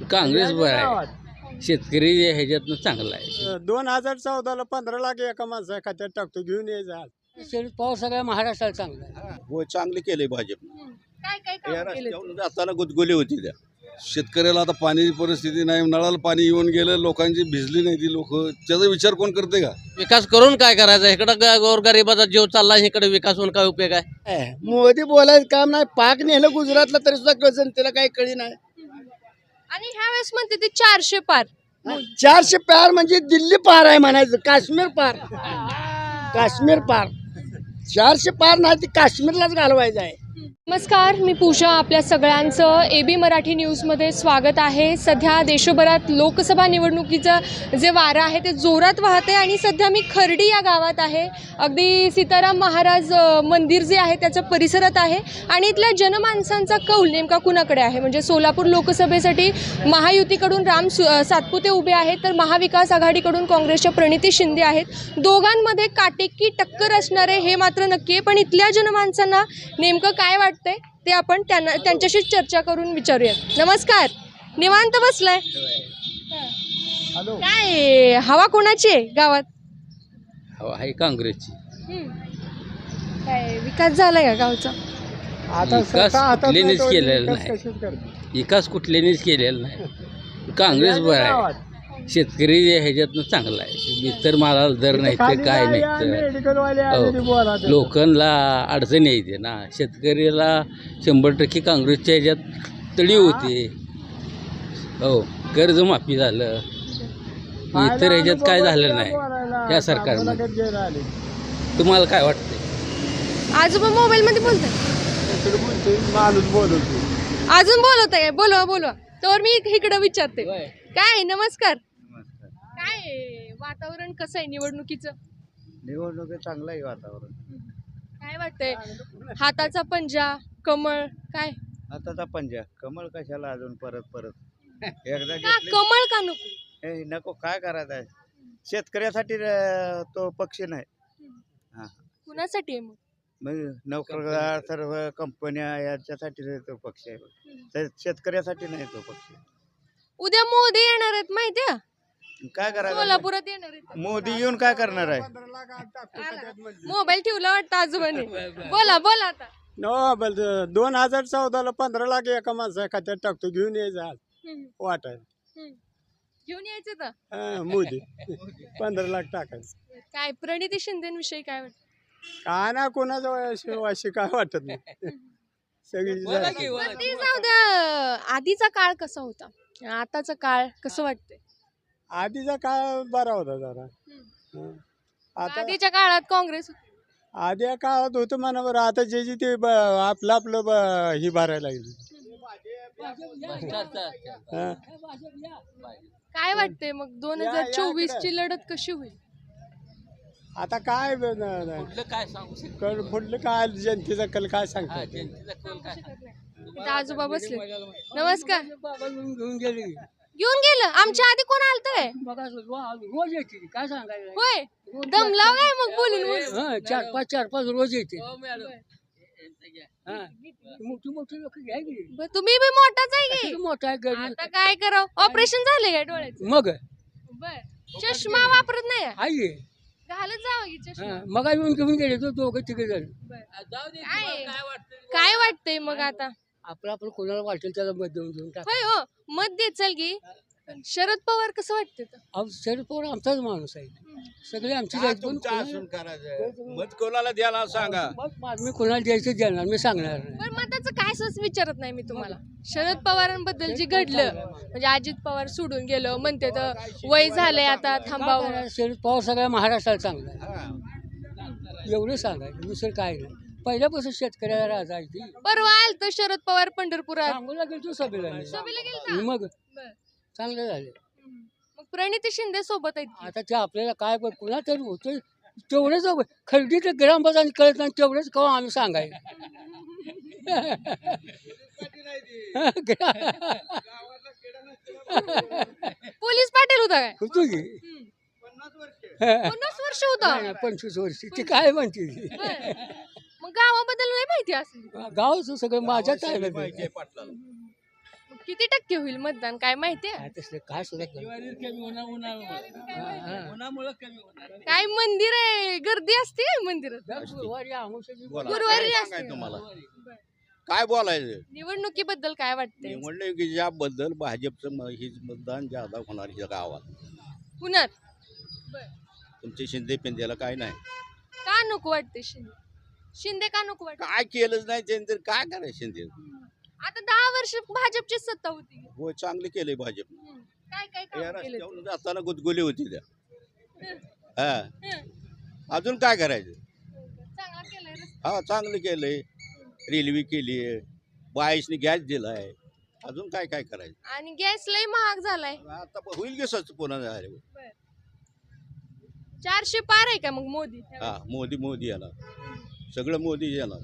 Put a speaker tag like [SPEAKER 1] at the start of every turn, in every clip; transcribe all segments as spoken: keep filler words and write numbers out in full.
[SPEAKER 1] काँग्रेस बरं आहे. शेतकरी ह्याच्यातनं चांगला आहे.
[SPEAKER 2] दोन हजार चौदाला पंधरा लाख एका माणसा खात्यात टाकतो, घेऊन यायचा.
[SPEAKER 3] शरद पवार सगळ्या महाराष्ट्राला चांगला आहे.
[SPEAKER 4] हो, चांगले केले भाजप.
[SPEAKER 5] काय काय
[SPEAKER 4] या
[SPEAKER 5] काम केले
[SPEAKER 4] रस्त्यावरून जाताना गुदगुली होती त्या. शेतकऱ्याला आता पाणी परिस्थिती नाही, नळाला पाणी येऊन गेलं, लोकांची भिजली नाही ती लोक. त्याचा विचार कोण करते का?
[SPEAKER 1] विकास करून काय करायचा? इकडं गोरगरिबाचा जीव चालला, इकडे विकास होऊन काय उपयोग आहे?
[SPEAKER 3] मोदी बोलायचं काम नाही. पाक नेलं गुजरातला तरी सुद्धा जनतेला काही कळी नाही.
[SPEAKER 5] आणि ह्या वेळेस म्हणते ते चारशे पार.
[SPEAKER 3] चारशे पार म्हणजे दिल्ली पार आहे म्हणायचं. काश्मीर पार, काश्मीर पार. चारशे पार नाही ती काश्मीरलाच घालवायचं आहे.
[SPEAKER 5] नमस्कार, मी पूजा. आपल्या सगळ्यांचं ए बी मराठी न्यूजमध्ये स्वागत आहे. सध्या देशभरात लोकसभा निवडणुकीचं जे वारं आहे ते जोरात वाहते आणि सध्या मी खर्डी या गावात आहे. अगदी सीताराम महाराज अ, मंदिर जे आहे त्याच्या परिसरात आहे आणि इथल्या जनमानसांचा कौल नेमका कुणाकडे आहे? म्हणजे सोलापूर लोकसभेसाठी महायुतीकडून राम सु अ, सातपुते उभे आहेत, तर महाविकास आघाडीकडून काँग्रेसच्या प्रणिती शिंदे आहेत. दोघांमध्ये काटेकी टक्कर असणार आहे हे मात्र नक्की आहे. पण इथल्या जनमानसांना नेमकं काय वाटतं ते आपण त्यांना त्यांच्याशीच चर्चा करून विचारूयात. नमस्कार, निवांत बसलाय? काय हवा कोणाची आहे गावात?
[SPEAKER 1] हवा आहे काँग्रेसची.
[SPEAKER 5] काय विकास झालाय का गावचा?
[SPEAKER 1] विकास कुठल्यानेच केलेला नाही. विकास कुठल्यानेच केलेला नाही. काँग्रेस बरं आहे. शेतकरी ह्याच्यातनं चांगला आहे. इतर मालाला दर नाही तर काय नाही तर लोकांना अडचण येते ना. शेतकऱ्याला शंभर टक्के काँग्रेसच्या ह्याच्यात तळी होते. हो, कर्जमाफी झालं. इतर ह्याच्यात काय झालं नाही या सरकारमध्ये. तुम्हाला काय वाटतं?
[SPEAKER 5] आजोबा मोबाईल मध्ये बोलताय?
[SPEAKER 2] माणूस बोलतो.
[SPEAKER 5] अजून बोलत आहे? बोलवा बोलवा, तर मी इकडे विचारते. काय नमस्कार, काय वातावरण कसं आहे निवडणुकीचं?
[SPEAKER 3] निवडणुकीत चांगलं आहे वातावरण.
[SPEAKER 5] काय वाटतंय? हाताचा पंजा, कमळ, काय?
[SPEAKER 6] हाताचा पंजा, कमळ कशाला अजून परत परत एकदा
[SPEAKER 5] का कमळ का नको?
[SPEAKER 6] हे नको, काय करायचं आहे? शेतकऱ्यासाठी अं, तो पक्ष नाही. हा,
[SPEAKER 5] कुणासाठी आहे मग?
[SPEAKER 6] मग नोकरदार सर्व कंपन्या याच्यासाठी तो पक्ष आहे. तर शेतकऱ्यासाठी नाही तो पक्ष.
[SPEAKER 5] उद्या मोदी येणार आहेत माहितीये?
[SPEAKER 6] काय करायचं?
[SPEAKER 5] सोलापुरात येणार आहेत.
[SPEAKER 6] मोदी येऊन काय करणार आहे?
[SPEAKER 5] मोबाईल ठेवला वाटतं आजोबाने. बोला बोला आता.
[SPEAKER 2] नो, दोन हजार चौदाला पंधरा लाख एका माणसा खात्यात टाकतो, घेऊन यायचा. वाटायला
[SPEAKER 5] हम्म. घेऊन यायचं तर
[SPEAKER 2] हा, मोदी पंधरा लाख टाकायचं.
[SPEAKER 5] काय प्रणिती शिंदेविषयी काय वाटतं?
[SPEAKER 2] काय ना, कोणाजवळ अशी काय वाटत नाही. सगळी
[SPEAKER 5] पण ते जाऊ द्या. आधीचा काळ कसा होता, आताचा काळ कसं वाटतंय?
[SPEAKER 2] आधीचा काळ बरा होता जरा. हं. आता
[SPEAKER 5] आधीच्या काळात काँग्रेस
[SPEAKER 2] आधी काळात होतं म्हणा बरं. आता जे जे ते ब- आपलं आपलं ब- ही भरायला लागली. हं.
[SPEAKER 5] काय वाटतंय मग दोन
[SPEAKER 2] या-
[SPEAKER 5] हजार
[SPEAKER 2] या
[SPEAKER 5] चोवीस
[SPEAKER 2] इकडं.
[SPEAKER 5] ची लढत कशी होईल?
[SPEAKER 2] आता काय ब- न- न-
[SPEAKER 1] कुठलं काय सांगू शकतो?
[SPEAKER 2] कल पुढलं काय जनतेचा कल काय सांगतो?
[SPEAKER 1] जनतेचा कौल काय सांगू?
[SPEAKER 5] इथं आजोबा बसले. नमस्कार.
[SPEAKER 3] घेऊन गेली.
[SPEAKER 5] घेऊन गेलं? आमच्या आधी कोण आलतंय?
[SPEAKER 3] बघा रोज येते. काय सांगायचं?
[SPEAKER 5] होय, दमला काय मग बोलून बोलून?
[SPEAKER 3] हा, चार पाच चार पाच रोज येते. हा, मोठी मोठी लोक घ्या की.
[SPEAKER 5] बरं, तुम्ही बी मोठाच आहे की.
[SPEAKER 3] किती मोठा आहे गरीब.
[SPEAKER 5] आता काय करावं? ऑपरेशन झालंय का डोळ्याचं?
[SPEAKER 3] मग
[SPEAKER 5] बर, चष्मा वापरत नाही?
[SPEAKER 3] आहे.
[SPEAKER 5] घालत जावं की चष्मा.
[SPEAKER 3] हा, मग येऊन घेऊन गेले तो दोघं तिघे जण.
[SPEAKER 5] काय काय वाटतंय मग आता?
[SPEAKER 3] आपलं आपलं कोणाला वाटेल त्याला मत देऊन देऊन टाक.
[SPEAKER 5] होय हो, मत देत चल की. पण शरद पवार कसं वाटतं तर?
[SPEAKER 3] अहो, शरद पवार आमचाच माणूस आहे. सगळे आमचीच
[SPEAKER 4] काय
[SPEAKER 3] आहेत. पण
[SPEAKER 4] तुमचं
[SPEAKER 3] कोणाला-
[SPEAKER 4] असून करायचं? मत कोणाला द्यायला सांगा.
[SPEAKER 3] मत मा- मी कोणाला द्यायचं देणार, मी सांगणार नाही.
[SPEAKER 5] पण मताचं काय सहज विचारत नाही मी तुम्हाला. शरद पवारांबद्दल जे घडलं, म्हणजे अजित पवार सोडून गेलं म्हणते तर वय झालंय आता थांबावं.
[SPEAKER 3] काय शरद पवार सगळ्या महाराष्ट्राला चांगला आहे. एवढं सांगायचं, दुसरं काय नाही. पहिल्यापासून शेतकऱ्याला राजा आहे ती.
[SPEAKER 5] परवा आलं तर शरद पवार पंढरपुरात
[SPEAKER 3] सांगूला गेलो सभेला मी.
[SPEAKER 5] सभेला गेलता?
[SPEAKER 3] मग
[SPEAKER 5] बरं.
[SPEAKER 3] चांगलं झालं.
[SPEAKER 5] मग प्रणिती शिंदे सोबत आहेत की?
[SPEAKER 3] आता ते आपल्याला काय पण कुणा तरी होतं तेवढंच खरेदी तर ग्रामपंचायत कळत नाही तेवढंच कवा आम्ही सांगायचं.
[SPEAKER 5] पोलीस पाटील होता काय?
[SPEAKER 3] होतो की
[SPEAKER 5] पन्नास वर्ष होता.
[SPEAKER 3] नाही, नाही, पंचवीस वर्षी ती काय म्हणते ती.
[SPEAKER 5] बरं. मग गावाबद्दल नाही माहिती असेल.
[SPEAKER 3] गावचं सगळं माझ्याच आहे ना ते.
[SPEAKER 4] पाहिजे पाटलाला.
[SPEAKER 5] मग किती टक्के होईल मतदान काय माहिती आहे?
[SPEAKER 3] काय सुद्धा
[SPEAKER 5] काय मंदिर आहे, गर्दी असते काय मंदिरात? गुरुवारी असते.
[SPEAKER 7] तुम्हाला काय बोलायचं
[SPEAKER 5] निवडणुकीबद्दल काय वाटतंय?
[SPEAKER 7] निवडणुकीच्याबद्दल भाजपचं म- हे मतदान ज्यादा होणार ह्या गावात.
[SPEAKER 5] पुण्यात
[SPEAKER 7] तुमचे शिंदे पिंद्याला काय नाही,
[SPEAKER 5] का नको वाटते शिंदे? शिंदे का नको वाटते?
[SPEAKER 7] काय केलंच नाही त्यांनी तर काय करायचं शिंदे.
[SPEAKER 5] आता दहा वर्ष भाजपची सत्ता होती.
[SPEAKER 7] हो चांगले केले भाजप.
[SPEAKER 5] हम्म. काय काय
[SPEAKER 7] या
[SPEAKER 5] काम केले?
[SPEAKER 7] रस्त्यावरून जाताना गुदगुली होती त्या. हा अजून काय करायचं.
[SPEAKER 5] चांगला केलंय रस्ता.
[SPEAKER 7] हा चांगलं केलंय, रेल्वे केली आहे, बाईसने गॅस दिलाय, अजून काय काय करायचं.
[SPEAKER 5] आणि गॅस लय महाग झालाय.
[SPEAKER 7] आता होईल की स्वच्छ पुन्हा झाले.
[SPEAKER 5] चारशे पार आहे का मग मोदी?
[SPEAKER 7] हा मोदी मोदी याला सगळं मोदी याला.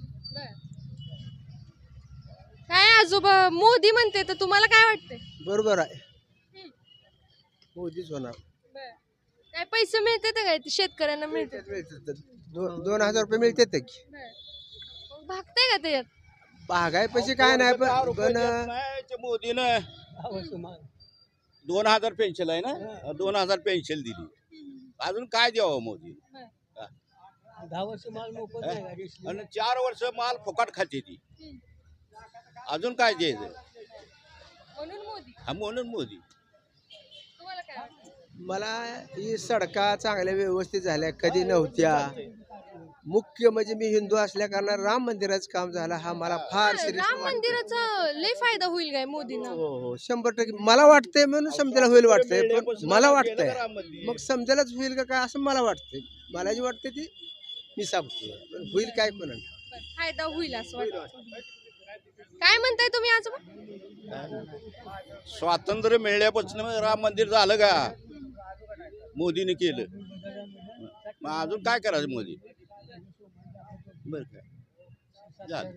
[SPEAKER 5] काय आजोबा मोदी म्हणते तर तुम्हाला काय वाटतंय?
[SPEAKER 3] बरोबर आहे, मोदीच होणार.
[SPEAKER 5] काय पैसे मिळते काय ते शेतकऱ्यांना मिळते?
[SPEAKER 3] दोन हजार रुपये मिळते की.
[SPEAKER 5] भागताय का त्याच्यात?
[SPEAKER 3] महागाई पैसे काय नाही
[SPEAKER 7] दहा
[SPEAKER 3] पण
[SPEAKER 7] रुपये
[SPEAKER 3] पण
[SPEAKER 7] देत नाही ते मोदीनं. दोन हजार पेन्शन आहे ना, दोन हजार पेन्शन दिली, अजून काय द्यावं मोदी.
[SPEAKER 3] दहा वर्ष माल मोफत
[SPEAKER 7] आणि चार वर्ष माल फुकट खाते ती, अजून काय द्यायचं.
[SPEAKER 5] म्हणून मोदी.
[SPEAKER 7] हा म्हणून मोदी.
[SPEAKER 5] तुम्हाला काय वाटतं?
[SPEAKER 3] मला ही सडका चांगल्या व्यवस्थित झाल्या, कधी नव्हत्या. मुख्य म्हणजे मी हिंदू असल्या कारणाने राम मंदिराचं काम झालं, हा मला फार
[SPEAKER 5] हा,
[SPEAKER 3] सिरियस
[SPEAKER 5] राम मंदिराचा लय फायदा होईल काय मोदींना?
[SPEAKER 3] हो हो शंभर टक्के मला वाटतंय, म्हणून समजायला होईल वाटतंय, पण मला वाटतंय मग समजायलाच होईल का काय असं मला वाटतंय. मला जी वाटते ती मी सांगतोय, पण होईल काय कोण.
[SPEAKER 5] फायदा होईल असं वाटतं. काय म्हणताय तुम्ही आजोबा?
[SPEAKER 7] स्वातंत्र्य मिळाल्यापासून राम मंदिर झालं का मोदीने केलं, मग अजून काय करायचं मोदी. बर काय झालं.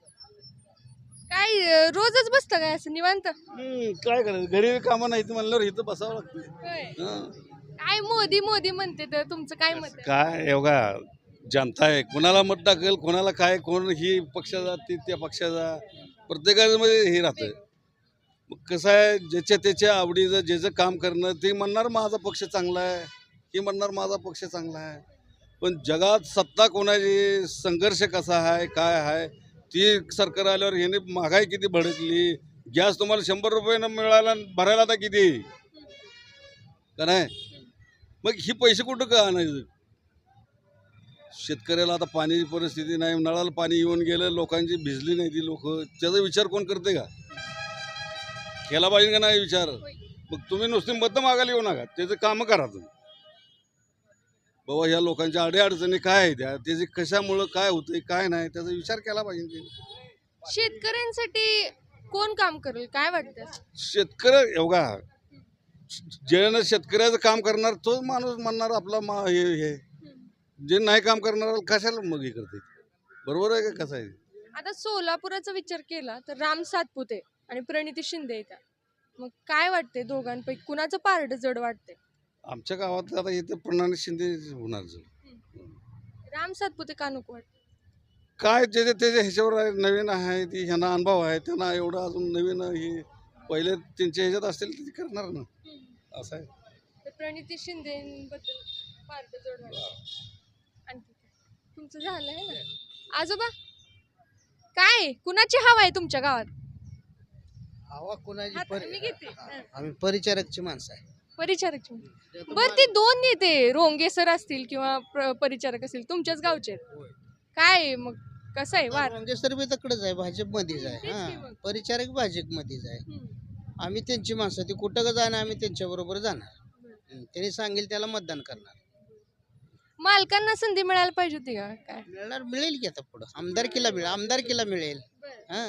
[SPEAKER 5] काय अं, रोजच बसतं काय असं निवांत?
[SPEAKER 4] काय करायचं, घरी कामं नाही म्हणल्यावर इथं बसावं लागतं.
[SPEAKER 5] होय. काय मोदी मोदी म्हणते तर तुमचं काय मत आहे?
[SPEAKER 4] काय एवढा जनता आहे, कोणाला मत टाकेल, कोणाला काय, कोण ही पक्षाचा ती त्या पक्षाचा, प्रत्येकाचं म्हणजे हे राहतं. मग कसं आहे, ज्याच्या त्याच्या आवडीचं ज्याचं काम करणं, ते म्हणणार माझा पक्ष चांगला आहे, हे म्हणणार माझा पक्ष चांगला आहे. पण जगात सत्ता कोणाची, संघर्ष कसा आहे, काय आहे, ती सरकार आल्यावर ह्याने महागाई किती भडकली. गॅस तुम्हाला शंभर रुपयानं मिळाला, भरायला आता किती का नाही. मग ही पैसे कुठं का आणायचं. शेतकऱ्याला आता पाण्याची परिस्थिती नाही, नळाला पाणी येऊन गेलं, लोकांची भिजली नाही ती लोक, त्याचा विचार कोण करते का. केला पाहिजे का नाही विचार. मग तुम्ही नुसते मत मागायला येऊ नका, त्याचं कामं करा तुम्ही. बाबा ह्या लोकांच्या अडीअडचणी काय आहे, त्या त्याचे कशामुळं काय होतंय काय नाही, त्याचा विचार केला पाहिजे.
[SPEAKER 5] शेतकऱ्यांसाठी कोण काम करेल काय वाटतं?
[SPEAKER 4] शेतकरी एवढा ज्यानं शेतकऱ्याचं काम करणार तोच माणूस म्हणणार आपला मा हे हे जे नाही काम करणार कशाला मग हे करते. बरोबर आहे का. कसं आहे
[SPEAKER 5] आता सोलापुराचा विचार केला तर राम सातपुते आणि प्रणिती शिंदे येतात, मग काय वाटते दोघांपैकी कुणाचं पारड जड वाटते?
[SPEAKER 4] आमच्या गावात आता इथे प्रणाली शिंदे होणार.
[SPEAKER 5] राम सातपुते का नको वाटते?
[SPEAKER 4] काय ज्याच्या त्याच्या ह्याच्यावर आहे, नवीन आहे ती, ह्यांना अनुभव आहे, त्यांना एवढं अजून नवीन हे पहिले त्यांच्या ह्याच्यात असतील ते करणार ना, असं आहे.
[SPEAKER 5] तर प्रणिती शिंदेबद्दल पारड जड वाटते. आणखी काय? तुमचं झालं आहे ना आजोबा? काय कुणाची हवा आहे तुमच्या गावात?
[SPEAKER 3] हवा कुणाची
[SPEAKER 5] हात- मी घेते. हं.
[SPEAKER 3] आम्ही परिचारकची माणसं आहे.
[SPEAKER 5] परिचारक. बर ते दोन नेते रोंगे सर असतील किंवा प्र- परिचारक असतील तुमच्याच गावचे आहेत. काय मग कसं आहे वार?
[SPEAKER 3] म्हणजे सर्व तकडेच आहे, भाजपमध्येच आहे.
[SPEAKER 5] तेच की
[SPEAKER 3] हा
[SPEAKER 5] मग.
[SPEAKER 3] परिचारक भाजपमध्येच आहे.
[SPEAKER 5] हं.
[SPEAKER 3] आम्ही त्यांची माणसं, ती कुठं का जाणार, आम्ही त्यांच्या बरोबर जाणार. हं, त्यांनी सांगेल त्याला मतदान करणार.
[SPEAKER 5] मालकांना संधी मिळायला पाहिजे होती का काय?
[SPEAKER 3] मिळणार, मिळेल की आता पुढं आमदारकीला मिळेल, आमदारकीला मिळेल. हा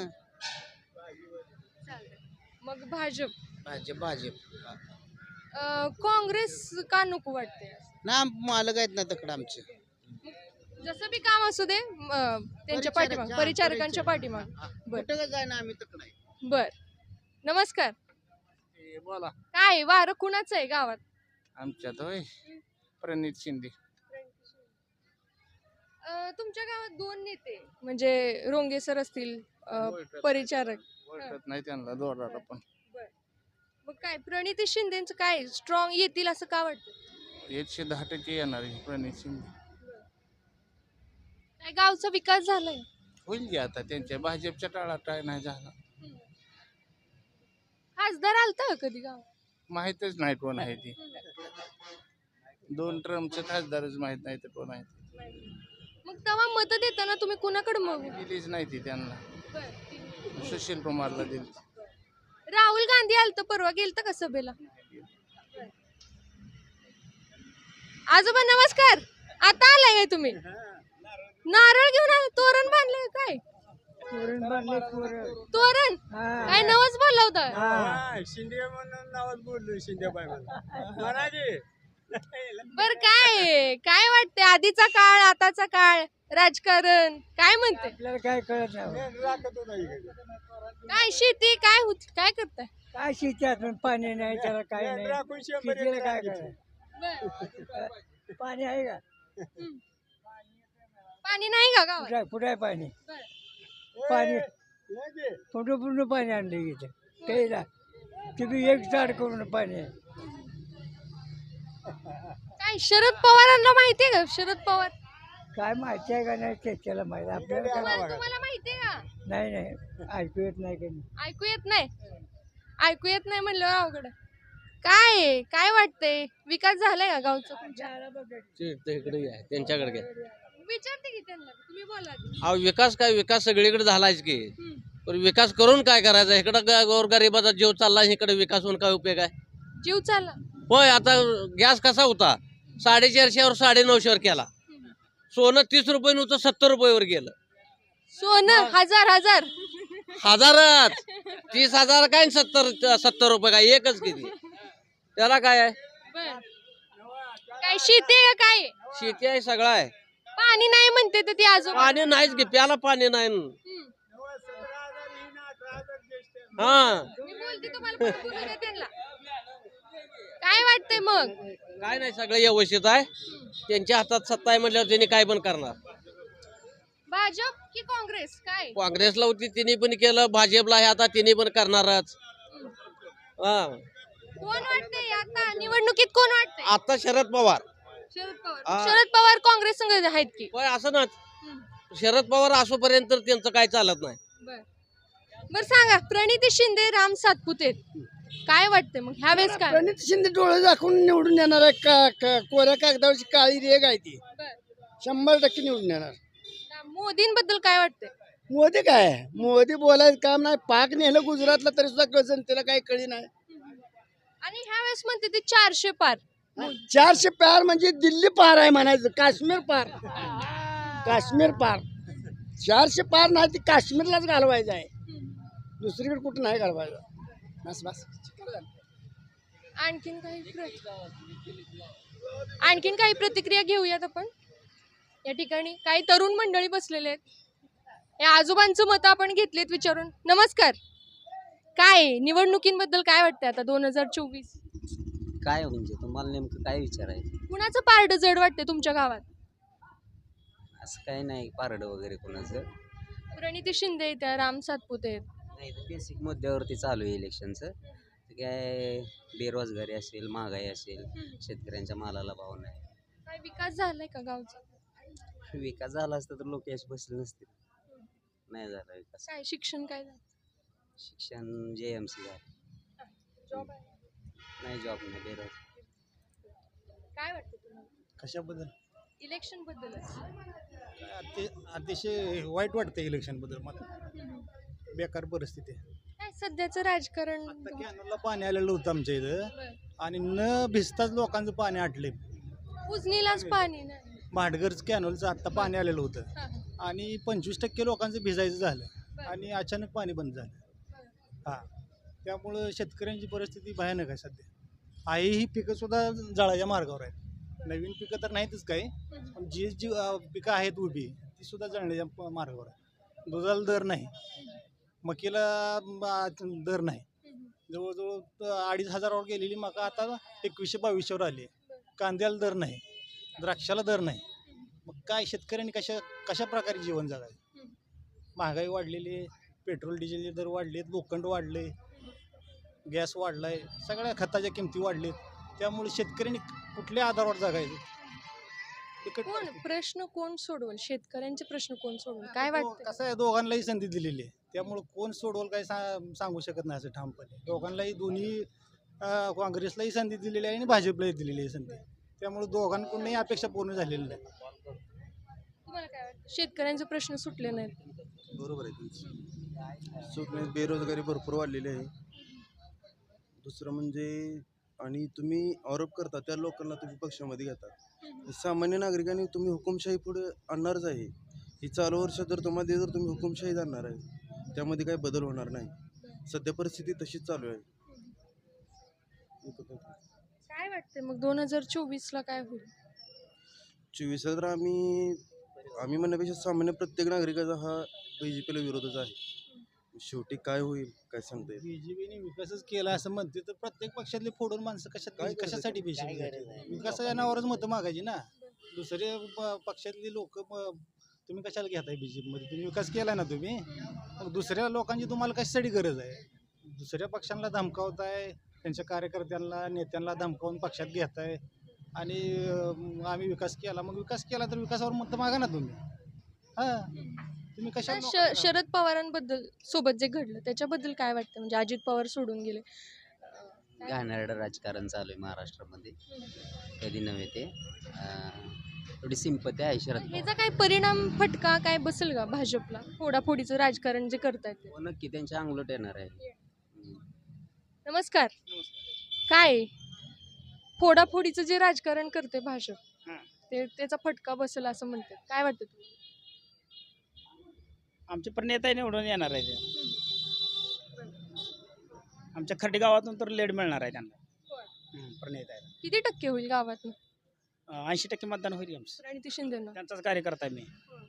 [SPEAKER 5] मग भाजप
[SPEAKER 3] भाजप भाजप
[SPEAKER 5] अं, काँग्रेस का नको वाटते?
[SPEAKER 3] ना मालक आहेत ना तकडं आमचे.
[SPEAKER 5] जसं बी काम असू दे म, त्यांच्या पाठीमाग परिचारकांच्या पाठीमाग. बर
[SPEAKER 3] कुठं का जाणार, आम्ही तकडं आहे.
[SPEAKER 5] बर नमस्कार.
[SPEAKER 6] बोला.
[SPEAKER 5] काय वारं कुणाचं आहे गावात?
[SPEAKER 6] आमच्यात होय प्रणित शिंदे.
[SPEAKER 5] अ, तुमच्या गावात दोन नेते म्हणजे रोंगे सर असतील, अ, परिचारक.
[SPEAKER 6] ओळखत नाही त्यांना दोराला पण
[SPEAKER 5] मग काय प्रणिती शिंदेचं काय स्ट्रॉंग येतील असं का वाटतं?
[SPEAKER 6] एकशे दहा टक्के येणार आहे प्रणित शिंदे.
[SPEAKER 5] काय गावचा विकास झालाय?
[SPEAKER 6] होईल की आता त्यांच्या भाजपच्या टाळात काय नाही झाला.
[SPEAKER 5] खासदार आलता का कधी गाव?
[SPEAKER 6] माहीतच नाही कोण आहे ती. दोन ट्रम्पचे खासदारच माहित नाही तर कोण आहे ते.
[SPEAKER 5] मग तेव्हा मत देताना तुम्ही कुणाकडे मग
[SPEAKER 6] दिलीच नाही ती त्यांना. सुशील कुमारला दिली.
[SPEAKER 5] राहुल गांधी आलत परवा, गेलत का सभेला? आजोबा नमस्कार. आता आलाय काय तुम्ही? नारळ घेऊन आला, तोरण बांधले काय? तोरण काय नवस बोलला होता?
[SPEAKER 2] हा, शिंदे म्हणून नावात बोललो, शिंदेबाई म्हणून म्हणा की.
[SPEAKER 5] बर काय काय वाटते आधीचा काळ आताचा काळ राजकारण काय म्हणते?
[SPEAKER 3] आपल्याला काय कळत नाही.
[SPEAKER 2] मेंढ राखत होता इकडे.
[SPEAKER 5] काय शेती काय होत काय करताय?
[SPEAKER 3] काय शेती असून पाणी नाही, त्याला काय
[SPEAKER 2] मेंढ
[SPEAKER 3] नाही.
[SPEAKER 2] राखून शंभर
[SPEAKER 3] शेतीला
[SPEAKER 2] एकर
[SPEAKER 3] काय
[SPEAKER 2] राखीची.
[SPEAKER 3] करायचं? पाणी आहे का?
[SPEAKER 5] पाणी नाही का गावात?
[SPEAKER 3] कुठे कुठे आहे पाणी?
[SPEAKER 5] बरं.
[SPEAKER 3] पाणी
[SPEAKER 2] ए, ये की.
[SPEAKER 3] पूर्ण पूर्ण पाणी आणलं इथं त्याला. तुम्ही एक झाड करून पाणी आहे.
[SPEAKER 5] काय शरद पवारांना माहितीये का? शरद पवार
[SPEAKER 3] काय माहिती आहे का नाही ते त्याला माहिती. आपल्याला काय
[SPEAKER 5] तुम्हाला तुम्हाला माहितीये का?
[SPEAKER 3] नाही नाही ऐकू येत नाही काही.
[SPEAKER 5] ऐकू येत नाही ऐकू येत नाही म्हणलं अवघड आहे. काय आहे? काय वाटतंय विकास झालाय का गावचा तुमच्या?
[SPEAKER 1] इकडे आहे त्यांच्याकडे घ्या.
[SPEAKER 5] विचारते की त्यांना, तुम्ही बोला आधी.
[SPEAKER 1] अहो विकास काय विकास सगळीकडे झालाच की,
[SPEAKER 5] हम्म.
[SPEAKER 1] पण विकास करून काय करायचा? इकडं गोरगरिबाचा जीव चालला, इकडे विकास होऊन काय उपयोग आहे?
[SPEAKER 5] जीव चालला.
[SPEAKER 1] होय, आता गॅस कसा होता साडेचारशेवर साडे नऊशेवर केला. सोनं तीस रुपये नव्हतं सत्तर रुपयेवर गेलं.
[SPEAKER 5] सोनं हजार हजार
[SPEAKER 1] हजारात तीस हजार काय आणि सत्तर सत्तर रुपये काय एकच किती? त्याला काय आहे?
[SPEAKER 5] बर. काय शेती आहे का काय?
[SPEAKER 1] शेती आहे सगळं आहे.
[SPEAKER 5] पाणी नाही म्हणते तर ती आजोबा.
[SPEAKER 1] पाणी नाहीच की, प्याला पाणी नाही.
[SPEAKER 5] हम्म.
[SPEAKER 1] हा
[SPEAKER 5] मी बोलते तुम्हाला पण बोलू द्या त्यांना. काय वाटतंय मग?
[SPEAKER 1] काय नाही, सगळं व्यवस्थित आहे. त्यांच्या हातात सत्ता आहे म्हटल्यावर त्यांनी काय पण करणार.
[SPEAKER 5] भाजप की काँग्रेस काय?
[SPEAKER 1] काँग्रेसला होती तिने पण केलं, भाजपला आहे आता तिने पण करणारच. हा
[SPEAKER 5] कोण वाटतंय आता निवडणुकीत कोण वाटतंय?
[SPEAKER 1] आता शरद पवार.
[SPEAKER 5] शरद पवार.
[SPEAKER 1] हा.
[SPEAKER 5] शरद पवार काँग्रेस संघ आहेत की?
[SPEAKER 1] होय असं ना,
[SPEAKER 5] हम्म.
[SPEAKER 1] शरद पवार असोपर्यंत त्यांचं काय चालत नाही.
[SPEAKER 5] बर बर सांगा, प्रणिती शिंदे राम सातपुते काय वाटतंय मग ह्या वेळेस काय?
[SPEAKER 3] प्रणित शिंदे डोळे दाखवून निवडून येणार आहे. का का- कोऱ्या कागदावरची काळी रेग आहे ती.
[SPEAKER 5] बर.
[SPEAKER 3] शंभर टक्के निवडून येणार.
[SPEAKER 5] मोदींबद्दल काय वाटतंय?
[SPEAKER 3] मोदी काय मोदी बोलायचं काम नाही. पाक नेलं गुजरातला तरी सुद्धा जनतेला काही कळी नाही.
[SPEAKER 5] आणि ह्या वेळेस म्हणते ते चारशे पार.
[SPEAKER 3] चारशे पार म्हणजे दिल्ली पार आहे म्हणायचं. काश्मीर पार. काश्मीर पार. चारशे पार नाही ती काश्मीरलाच घालवायचं आहे. दुसरीकडे कुठं नाही घालवायचं. बस बस.
[SPEAKER 5] आणखीन काही प्र- आणखीन काही प्रतिक्रिया घेऊयात आपण. या ठिकाणी काही तरुण मंडळी बसलेले आहेत. या आजोबांचं मत आपण घेतलेत विचारून. नमस्कार. काय निवडणुकींबद्दल काय वाटतंय आता दोन हजार चोवीस?
[SPEAKER 8] काय म्हणजे तुम्हाला नेमकं काय विचारायचं?
[SPEAKER 5] कुणाचं पारड जड वाटतंय तुमच्या गावात?
[SPEAKER 8] असं काही नाही पारडं वगैरे कोणाचं.
[SPEAKER 5] प्रणिती शिंदे त्या राम सातपुते आहेत.
[SPEAKER 8] नाही, बेसिक मुद्द्यावरती चालू आहे इलेक्शनचं. काय बेरोजगारी असेल, महागाई असेल, शेतकऱ्यांच्या मालाला भाव नाही.
[SPEAKER 5] काय विकास झालाय का गावचा?
[SPEAKER 8] विकास झाला असता तर लोक याच बसले नसतील. नाही झाला विकास.
[SPEAKER 5] काय शिक्षण काय झालं?
[SPEAKER 8] शिक्षण जे एम सी झालं.
[SPEAKER 5] जॉब आहे?
[SPEAKER 8] नाही, जॉब नाही, बेरोजगार.
[SPEAKER 5] काय वाटतं तुम्हाला
[SPEAKER 9] कशाबद्दल?
[SPEAKER 5] इलेक्शन बद्दलच?
[SPEAKER 9] काय अति अतिशय वाईट वाटतं इलेक्शनबद्दल मला. बेकार परिस्थिती आहे.
[SPEAKER 5] काय सध्याचं राजकारण?
[SPEAKER 9] आता कॅनलला पाणी आलेलं होतं आमच्या इथं
[SPEAKER 5] बरं.
[SPEAKER 9] आणि न भिजताच लोकांचं पाणी आटले.
[SPEAKER 5] उजनीलाच पाणी नाही.
[SPEAKER 9] भाटघरचं कॅनलचं आत्ता पाणी आलेलं होतं
[SPEAKER 5] हा, हा.
[SPEAKER 9] आणि पंचवीस टक्के लोकांचं भिजायचं झालं
[SPEAKER 5] बरं.
[SPEAKER 9] आणि अचानक पाणी बंद झालं. हां, त्यामुळं शेतकऱ्यांची परिस्थिती भयानक आहे सध्या. आहे ही पिकं सुद्धा जळाच्या मार्गावर आहेत. नवीन पिकं तर नाहीतच काही, पण जी जी अं, पिकं आहेत उभी ती सुद्धा जळण्याच्या प- मार्गावर आहे. दुधाला दर नाही, मकीला अं, दर नाही. जवळजवळ त- अडीच हजारावर गेलेली मका आता एकवीसशे बावीसशेवर आली. कांद्याला दर नाही, द्राक्षाला दर नाही. मग काय शेतकऱ्यांनी कशा कशा प्रकारे जीवन जगायचं. महागाई वाढलेली आहे, पेट्रोल डिझेलचे दर वाढलेत, लोखंड वाढले, गॅस वाढलाय, सगळ्या खताच्या किमती वाढलेत. त्यामुळे शेतकऱ्यांनी कुठल्या आधारावर जगायचं. बिकट
[SPEAKER 5] कोण
[SPEAKER 9] परिस्थिती.
[SPEAKER 5] प्रश्न कोण सोडवल शेतकऱ्यांचे प्रश्न कोण सोडवल काय वाटतं?
[SPEAKER 9] कसं आहे, दोघांनाही संधी दिलेली आहे. त्यामुळे कोण सोडवल काय सा- सांगू शकत नाही असं ठामपणे. दोघांनाही दोन्ही अं, काँग्रेसलाही संधी दिलेली आहे आणि भाजपलाही दिलेली आहे संधी. त्यामुळे दोघांकडूनही अपेक्षा पूर्ण झालेली नाही.
[SPEAKER 5] तुम्हाला काय वाटतं शेतकऱ्यांचे प्रश्न सुटले नाहीत?
[SPEAKER 10] बरोबर आहे तुमचं. सुटणे बेरोजगारी भरपूर वाढलेली आहे. दुसरं म्हणजे आणि तुम्ही आरोप करता त्या लोकांना तुम्ही पक्षामध्ये घेता. सामान्य नागरिकांनी तुम्ही हुकुमशाही पुढे आणणारच आहे. ही चालू वर्ष जर तुम्हाला जर तुम्ही हुकुमशाही आणणार आहे त्यामध्ये काही बदल होणार नाही. सध्या परिस्थिती तशीच चालू आहे.
[SPEAKER 5] काय वाटतंय मग दोन हजार चोवीस ला काय होईल?
[SPEAKER 10] चोवीस तर आम्ही आम्ही म्हणण्यापेक्षा सामान्य प्रत्येक नागरिकाचा हा बी जे पीला विरोधच आहे. शेवटी काय होईल काय सांगता येईल.
[SPEAKER 9] बीजेपीने विकासच केला असं म्हणते तर प्रत्येक पक्षातले फोडून माणसं कशात
[SPEAKER 10] काय करायचं?
[SPEAKER 9] कशासाठी बीजेपी विकासाच्या नावावरच मतं मागायची ना. दुसरे प- पक्षातली लोक तुम्ही कशाला घेताय बीजेपी मध्ये? तुम्ही विकास केलाय ना तुम्ही. मग दुसऱ्या लोकांची तुम्हाला कशासाठी गरज आहे? दुसऱ्या पक्षांना धमकावताय, त्यांच्या कार्यकर्त्यांना नेत्यांना धमकावून पक्षात घेताय आणि अं, आम्ही विकास केला. मग विकास केला तर विकासावर मतं मागा ना तुम्ही. हा तुम्ही
[SPEAKER 5] आता
[SPEAKER 9] कशा
[SPEAKER 5] श- शरद पवारांबद्दल सोबत जे घडलं त्याच्याबद्दल काय वाटतं? म्हणजे अजित पवार सोडून गेले.
[SPEAKER 8] घाणेरडं राजकारण चालू आहे महाराष्ट्रामध्ये. कधी नव्हे ते अं, थोडी सिंपती आहे शरद पवार.
[SPEAKER 5] ह्याचा काय परिणाम फटका काय बसेल का भाजपला? फोडाफोडीचं राजकारण जे करतायत ते.
[SPEAKER 8] हो, नक्की त्यांच्या अंगलट येणार आहे. हम्म.
[SPEAKER 5] नमस्कार. काय फोडाफोडीचं जे राजकारण करते भाजप ते त्याचा फटका बसेल असं म्हणतात. काय वाटतं तुम्हाला?
[SPEAKER 11] आमचे पण नेता निवडून येणार आहे ते. आमच्या खर्डी गावातून तर लीड मिळणार आहे त्यांना. हम्म, प्रणेता आहे.
[SPEAKER 5] किती टक्के होईल गावात?
[SPEAKER 11] ऐंशी टक्के मतदान होईल आमचं.
[SPEAKER 5] प्रणिती शिंदेना.
[SPEAKER 11] त्यांचाच कार्यकर्ता आहे मी.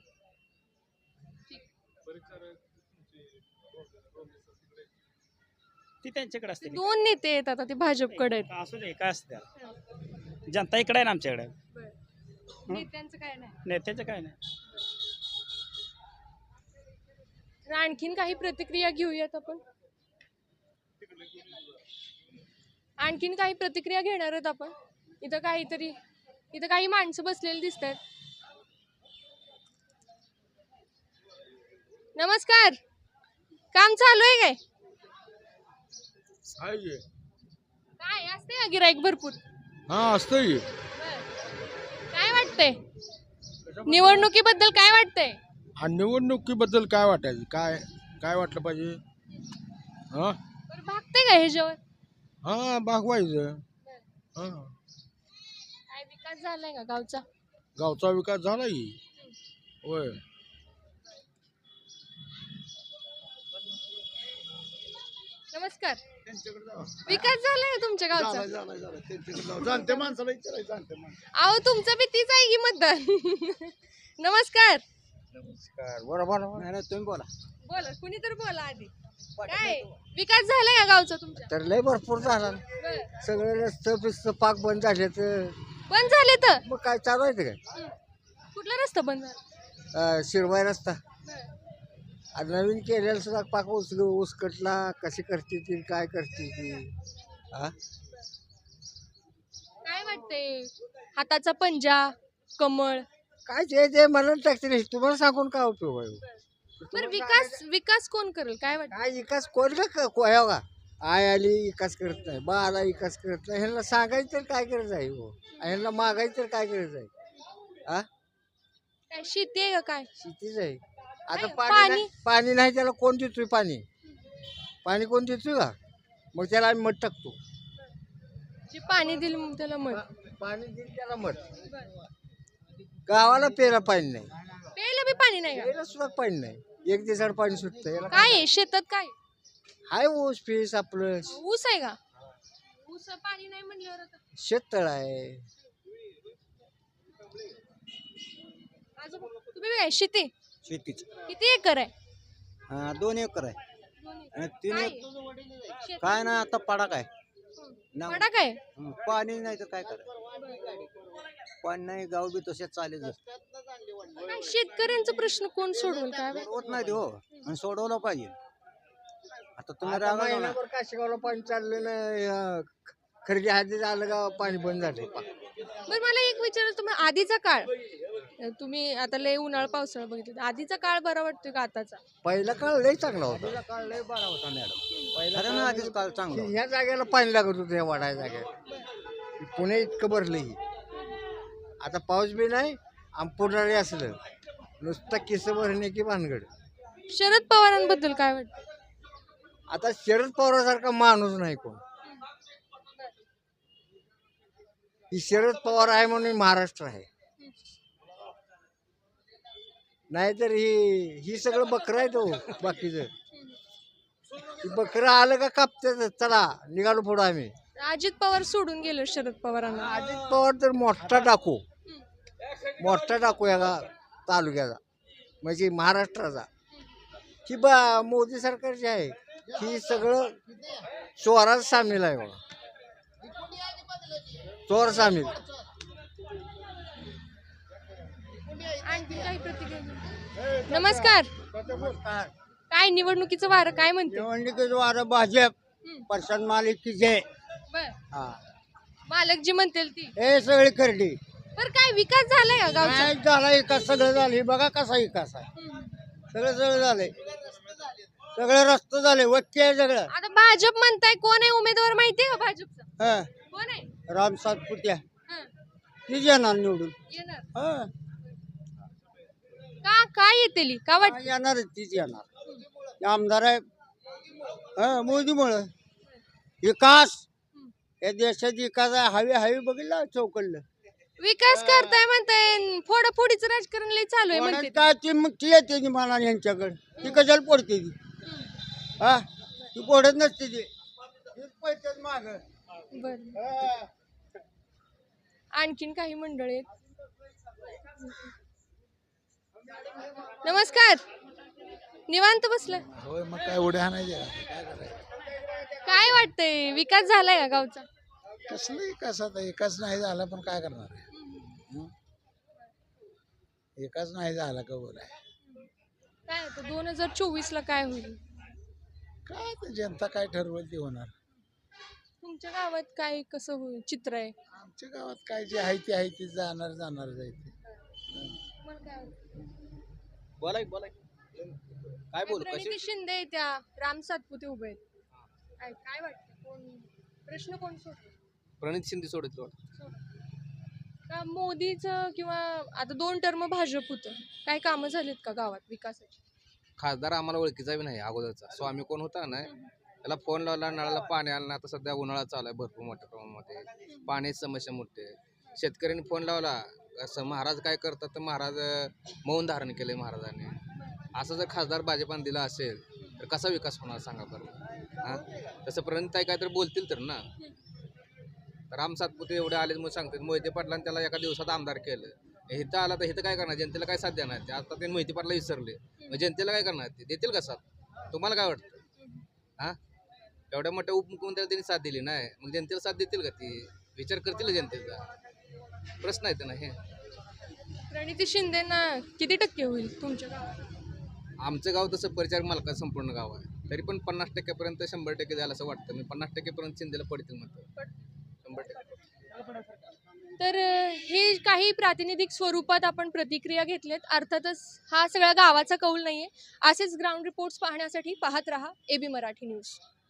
[SPEAKER 11] ती त्यांच्याकडे असते.
[SPEAKER 5] दोन नेते आहेत आता ते भाजपकडे आहेत.
[SPEAKER 11] असू दे काय असते जनता इकडे आहे ना आमच्याकडे.
[SPEAKER 5] नेत्यांचं काय नाही.
[SPEAKER 11] नेत्याचं काय नाही.
[SPEAKER 5] तर आणखीन काही प्रतिक्रिया घेऊयात आपण. आणखीन काही प्रतिक्रिया घेणार आहेत आपण. इथं काहीतरी इथं काही माणसं बसलेली दिसत आहेत. नमस्कार. काम चालू आहे काय? काय असते का गिराईक भरपूर?
[SPEAKER 12] हा असतंय.
[SPEAKER 5] काय वाटतंय निवडणुकीबद्दल? काय वाटतंय?
[SPEAKER 12] आणि निवडणुकीबद्दल काय वाटायचं? काय काय वाटलं पाहिजे? हा
[SPEAKER 5] बरं भागते का ह्याच्यावर?
[SPEAKER 12] हा भागवायचं. हा
[SPEAKER 5] काय विकास झालाय का गावचा?
[SPEAKER 12] गावचा विकास झाला की. होय.
[SPEAKER 5] नमस्कार. विकास झालाय का तुमच्या गावचा?
[SPEAKER 3] जाणते माणसाला विचारायचं. जाणते माणसं.
[SPEAKER 5] अहो तुमचं बी तीच आहे की मतदान. नमस्कार.
[SPEAKER 6] नमस्कार. बरोबर नाही नाही तुम्ही बोला.
[SPEAKER 5] बोला कुणी तर बोला आधी. काय विकास झालाय का गावचा तुमच्या?
[SPEAKER 3] तर लय भरपूर झाला.
[SPEAKER 5] बरं.
[SPEAKER 3] सगळे रस्ते पिस्त पाक बंद झाले तर
[SPEAKER 5] बंद झाले तर
[SPEAKER 3] मग काय चालू आहे ते काय?
[SPEAKER 5] कुठला रस्ता बंद झाला?
[SPEAKER 3] अं, शिरवाई रस्ता
[SPEAKER 5] बरं.
[SPEAKER 3] आणि नवीन केलेला सुद्धा पाक उस उसकटला. कशी करते ती काय करते ती. हा
[SPEAKER 5] काय वाटतंय हाताचा पंजा कमळ?
[SPEAKER 3] काय ते ते मला टाकते. तुम्हाला सांगून काय उपयोग आहे?
[SPEAKER 5] बरं विकास विकास कोण करेल काय वाटतं?
[SPEAKER 3] काय विकास कोण का कोया का आय आली विकास करत नाही, बा आला विकास करत नाही. ह्यांना सांगायचं तर काय करायचं आहे हो? ह्यांना मागायचं तर काय करायचं आहे? हा
[SPEAKER 5] काय शेती आहे का काय?
[SPEAKER 3] शेतीच आहे. आता
[SPEAKER 5] काय,
[SPEAKER 3] पाणी
[SPEAKER 5] पाणी?
[SPEAKER 3] नाही- पाणी नाही त्याला कोण देतोय? पाणी पाणी कोण देतोय का? मग त्याला आम्ही मध टाकतो.
[SPEAKER 5] जे पाणी दिलं मग त्याला मत.
[SPEAKER 3] पाणी दिलं त्याला मध. गावाला प्यायला पाणी नाही,
[SPEAKER 5] प्यायला बी पाणी नाही का?
[SPEAKER 3] प्यायला सुद्धा पाणी नाही. एक दिवसाड पाणी सुटतं. याला
[SPEAKER 5] काय आहे शेतात? काय
[SPEAKER 3] हाय ऊस पीस आपलं
[SPEAKER 5] ऊस आहे का? ऊस पाणी नाही म्हणल्यावर आता
[SPEAKER 3] शेततळ आहे.
[SPEAKER 5] आजोबा, तुम्ही काय शेती
[SPEAKER 6] शेतीच
[SPEAKER 5] किती एकर आहे?
[SPEAKER 6] हा दोन एकर आहे. आणि तीन
[SPEAKER 5] काय
[SPEAKER 6] एकर
[SPEAKER 5] आहे? शेतात
[SPEAKER 6] काय नाही आता पडा काय
[SPEAKER 5] पडा काय?
[SPEAKER 6] पाणी नाही तर काय करायचं.
[SPEAKER 13] पाणी नाही गाव बी तसेच चालेल
[SPEAKER 5] काय शेतकऱ्यांचा प्रश्न कोण सोडवल काय वाटतं?
[SPEAKER 13] होत नाही ते हो आणि सोडवलं पाहिजे आता तुम्ही
[SPEAKER 3] आता
[SPEAKER 13] रागा
[SPEAKER 3] महिनाभर काशीगावला पाणी चाललेलं खरेदी हाती झालं का पाणी बंद झाले
[SPEAKER 5] बरं मला एक विचारायचं तुम्ही आधीचा काळ तुम्ही आता लय उन्हाळा पावसाळा बघितलं आधीचा काळ बरा वाटतोय का आताचा?
[SPEAKER 3] पहिला काळ लय चांगला होता.
[SPEAKER 13] पहिला काळ लय बरा होता मॅडम
[SPEAKER 3] पहिला
[SPEAKER 13] खरं ना आधीच काळ चांगला
[SPEAKER 3] ह्या जागेला पाणी लागत होतं या वाडा जागेला पुणे इतकं भरलं ही आता पाऊस बी नाही आणि पुढारी असलं नुसतं किस भरण्याची भानगड.
[SPEAKER 5] शरद पवारांबद्दल काय वाटतं?
[SPEAKER 3] आता शरद पवारासारखा माणूस नाही कोण. ही शरद पवार आहे म्हणून महाराष्ट्र आहे नाहीतर ही ही सगळं बकरं आहे तो बाकीचं बकरं आलं का कापते चला निघालो पुढं आम्ही.
[SPEAKER 5] अजित पवार सोडून गेलो शरद पवारांना.
[SPEAKER 3] अजित पवार तर मोठा टाकू मोठा टाकू या गा तालुक्याचा म्हणजे महाराष्ट्राचा. ही बा मोदी सरकारची आहे ही सगळं चोरात सामील आहे बघा चोर सामील.
[SPEAKER 5] आणखी काही प्रतिक्रिया? नमस्कार. काय निवडणुकीचं वारं काय म्हणते?
[SPEAKER 3] निवडणुकीचं वारं भाजप प्रशांत मालिक की जय.
[SPEAKER 5] बर
[SPEAKER 3] हा
[SPEAKER 5] मालक जी म्हणतील ती
[SPEAKER 3] हे सगळी करडी.
[SPEAKER 5] बर काय विकास झालाय का गावचा?
[SPEAKER 3] नाही झाला विकास सगळं झालं हे बघा कसा विकास आहे सगळं सगळं झालंय सगळं रस्ते झाले वक्के आहे सगळं.
[SPEAKER 5] आता भाजप म्हणताय कोण आहे उमेदवार माहितीये का भाजपचा?
[SPEAKER 3] हा
[SPEAKER 5] कोण आहे?
[SPEAKER 3] राम सातपुत्या
[SPEAKER 5] हं,
[SPEAKER 3] तीच येणार निवडून.
[SPEAKER 5] येणार
[SPEAKER 3] हा
[SPEAKER 5] का काय येतेली का वाट?
[SPEAKER 3] येणार तीच येणार आमदार आहे हा मोदीमुळं विकास या देशात विकास आहे हवे हवे बघितलं चौकडलं
[SPEAKER 5] विकास करताय म्हणताय फोडाफोडीचं राजकारण लय चालू आहे म्हणते.
[SPEAKER 3] काय ती मग ती येते ती मला यांच्याकडे ती कशाला पडते ती हा ती पडत नसते ती पैसे माग.
[SPEAKER 5] बर आणखीन काही मंडळ आहेत. नमस्कार. निवांत बसलाय
[SPEAKER 12] होय मग काय उड्या नाही काय करायचं
[SPEAKER 5] काय वाटतंय विकास झालाय का गावचा?
[SPEAKER 12] कसलं विकास आता विकास नाही झाला पण काय करणार आहे हं? विकास नाही झाला का बोलाय
[SPEAKER 5] काय आता दोन हजार चोवीस ला काय होईल?
[SPEAKER 12] काय ते जनता काय ठरवेल ते होणार.
[SPEAKER 5] तुमच्या गावात काय कसं होईल चित्र आहे?
[SPEAKER 12] आमच्या गावात काय जे आहे ते आहे ते जाणार जाणार जायचे.
[SPEAKER 5] मला काय वाटतं?
[SPEAKER 8] बोलाय बोलाय काय बोलू
[SPEAKER 5] प्रणिती शिंदे त्या राम सातपुते उभे आहेत काय काय वाटतं कोण प्रश्न कोण सोडतो?
[SPEAKER 8] प्रणित शिंदे सोडत
[SPEAKER 5] का मोदीचं किंवा आता दोन टर्म भाजप होतं काय कामं झालीत का गावात विकासाची?
[SPEAKER 8] खासदार आम्हाला ओळखीचा बी नाही अगोदरचा स्वामी कोण होता ना त्याला फोन लावला नळाला पाणी आलं ना आता सध्या उन्हाळा चालू आहे भरपूर मोठ्या प्रमाणामध्ये पाण्याची समस्या मोठी आहे. शेतकऱ्यांनी फोन लावला असं महाराज काय करतात तर महाराज मौन धारण केलंय महाराजांनी. असं जर खासदार भाजपाने दिला असेल तर कसा विकास होणार सांगा बरं. हां तसं प्रणिताई काय तर बोलतील तर ना. राम सातपुते एवढे आले मग सांगतात मोहिते पाटलांनी त्याला एका दिवसात आमदार केलं इथं आला तर इथं काय करणार जनतेला काय साथ देणार ते आता ते मोहिते पाटला विसरले मग जनतेला काय करणार ते देतील का साथ तुम्हाला काय वाटतं? हां एवढ्या मोठ्या उपमुख्यमंत्र्याला त्यांनी साथ दिली नाही मग जनतेला साथ देतील का ती विचार करतील जनतेचा प्रश्न आहे ना. हे
[SPEAKER 5] प्रणिती शिंदेना किती टक्के होईल तुमच्या गावात?
[SPEAKER 8] आमचं गाव तसं परिचारक मालकाचं संपूर्ण गाव आहे तरी पण पन्नास टक्क्यापर्यंत शंभर टक्के द्यायला असं वाटतं मी पन्नास टक्केपर्यंत शिंदेला पडतील म्हणतो शंभर टक्के.
[SPEAKER 5] तर हे काही प्रातिनिधिक स्वरूपात आपण प्रतिक्रिया घेतल्यात. अर्थातच हा सगळा गावाचा कौल नाहीये. असेच ग्राउंड रिपोर्ट्स पाहण्यासाठी पाहत रहा एबी मराठी न्यूज.